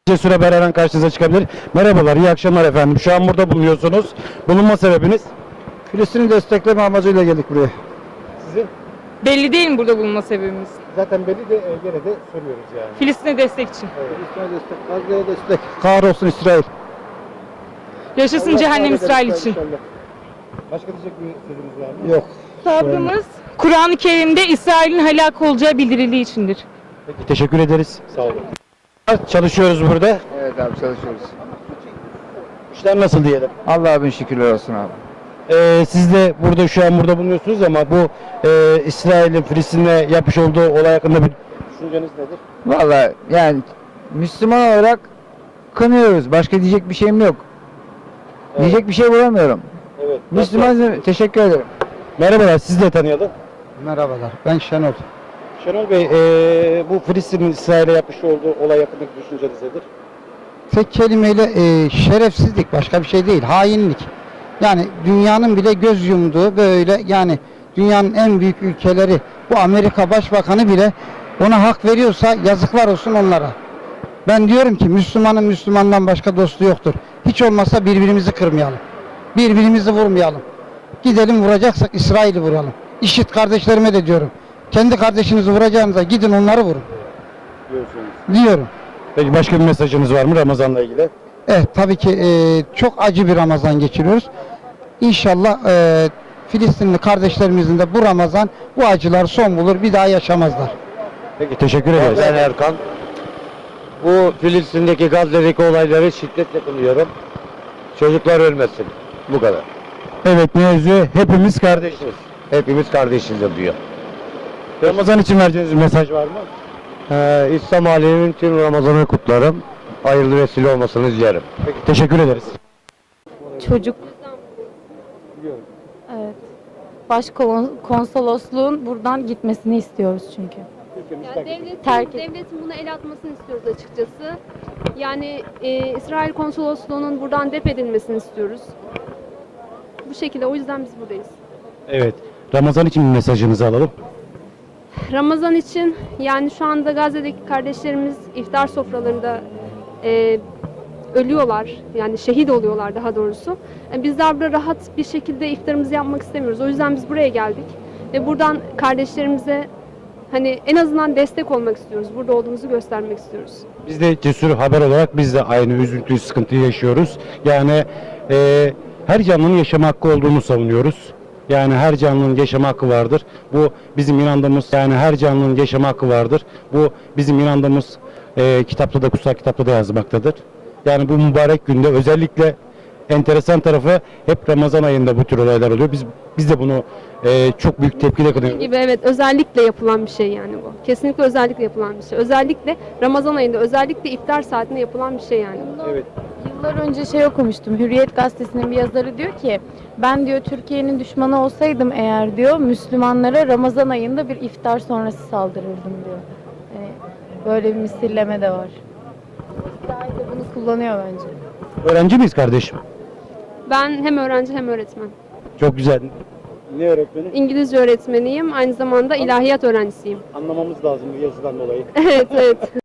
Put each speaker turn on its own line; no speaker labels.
Cesur Haber her an karşınıza çıkabilir. Merhabalar, iyi akşamlar efendim. Şu an burada bulunuyorsunuz. Bulunma sebebiniz?
Filistin'i destekleme amacıyla geldik buraya.
Sizin?
Belli değil mi burada bulunma sebebimiz?
Zaten belli de gene de soruyoruz yani.
Filistin'e destek için.
Filistin'e destek, Gazze'ye destek. Kahrolsun İsrail.
Yaşasın
Allah
cehennem
sağlık
İsrail
eder
için.
inşallah. Başka diyecek bir sözümüz var mı?
Yok.
Sabrımız Kur'an-ı Kerim'de İsrail'in helak olacağı bildirildiği içindir.
Peki, teşekkür ederiz. Sağ olun. Çalışıyoruz burada.
Evet abi çalışıyoruz.
İşler nasıl diyelim?
Allah'a bin şükürler olsun abi.
Siz de burada şu an burada bulunuyorsunuz ama bu İsrail'in Filistin'e yapmış olduğu olay hakkında bir düşünceniz nedir?
Vallahi yani Müslüman olarak kınıyoruz. Başka diyecek bir şeyim yok. Diyecek bir şey bulamıyorum.
Evet.
Müslüman teşekkür ederim.
Merhabalar, sizi de tanıyalım.
Merhabalar, ben Şenol.
Şenol Bey, bu Filistin'in İsrail'e yapmış olduğu olay hakkındaki düşünceniz nedir?
Tek kelimeyle şerefsizlik, başka bir şey değil, hainlik. Yani dünyanın bile göz yumduğu böyle, yani dünyanın en büyük ülkeleri, bu Amerika Başbakanı bile ona hak veriyorsa yazıklar olsun onlara. Ben diyorum ki Müslümanın Müslümandan başka dostu yoktur. Hiç olmazsa birbirimizi kırmayalım. Birbirimizi vurmayalım. Gidelim vuracaksak İsrail'i vuralım. İşit kardeşlerime de diyorum. Kendi kardeşinizi vuracağınıza gidin onları vurun diyorum.
Peki başka bir mesajınız var mı Ramazan'la ilgili?
Evet, tabii ki çok acı bir Ramazan geçiriyoruz. İnşallah Filistinli kardeşlerimizin de bu Ramazan bu acılar son bulur, bir daha yaşamazlar.
Peki, teşekkür ederiz.
Ben Erkan. Bu Filistin'deki Gazze'deki olayları şiddetle kınıyorum. Çocuklar ölmesin. Bu kadar.
Evet, mevzu hepimiz kardeşiz.
Hepimiz kardeşiz diyor.
Ramazan için vereceğiniz bir mesaj var mı?
İslam aleminin tüm Ramazan'ı kutlarım. Hayırlı vesile olmasını dilerim.
Peki, teşekkür ederiz.
Çocuk. Evet. Başkonsolosluğun buradan gitmesini istiyoruz çünkü.
Yani
Terk et.
devletin buna el atmasını istiyoruz açıkçası. Yani İsrail konsolosluğunun buradan def edilmesini istiyoruz. Bu şekilde, o yüzden biz buradayız.
Evet, Ramazan için bir mesajınızı alalım.
Ramazan için yani şu anda Gazze'deki kardeşlerimiz iftar sofralarında ölüyorlar. Yani şehit oluyorlar daha doğrusu. Bizler burada rahat bir şekilde iftarımızı yapmak istemiyoruz. O yüzden biz buraya geldik. Ve buradan kardeşlerimize hani en azından destek olmak istiyoruz. Burada olduğumuzu göstermek istiyoruz.
Biz de Cesur Haber olarak biz de aynı üzüntüyü, sıkıntıyı yaşıyoruz. Yani her canlının yaşama hakkı olduğunu savunuyoruz. Yani her canlının yaşama hakkı vardır. Bu bizim inandığımız, yani her canlının yaşama hakkı vardır. Bu bizim inandığımız kitapta da, kutsal kitapta da yazmaktadır. Yani bu mübarek günde özellikle enteresan tarafı hep Ramazan ayında bu tür olaylar oluyor. Biz de bunu çok büyük tepkiyle kınıyoruz.
Gibi, evet, özellikle yapılan bir şey yani bu. Kesinlikle özellikle yapılan bir şey. Özellikle Ramazan ayında, özellikle iftar saatinde yapılan bir şey yani.
Evet.
Yıllar önce şey okumuştum. Hürriyet gazetesinin bir yazarı diyor ki ben diyor Türkiye'nin düşmanı olsaydım eğer diyor Müslümanlara Ramazan ayında bir iftar sonrası saldırırdım diyor. Yani böyle bir misilleme de var. İsrail de bunu kullanıyor bence.
Öğrenci miyiz kardeşim?
Ben hem öğrenci hem öğretmen.
Çok güzel. Ne öğretmeni?
İngilizce öğretmeniyim. Aynı zamanda ilahiyat öğrencisiyim.
Anlamamız lazım bu yazıdan dolayı.
Evet, evet.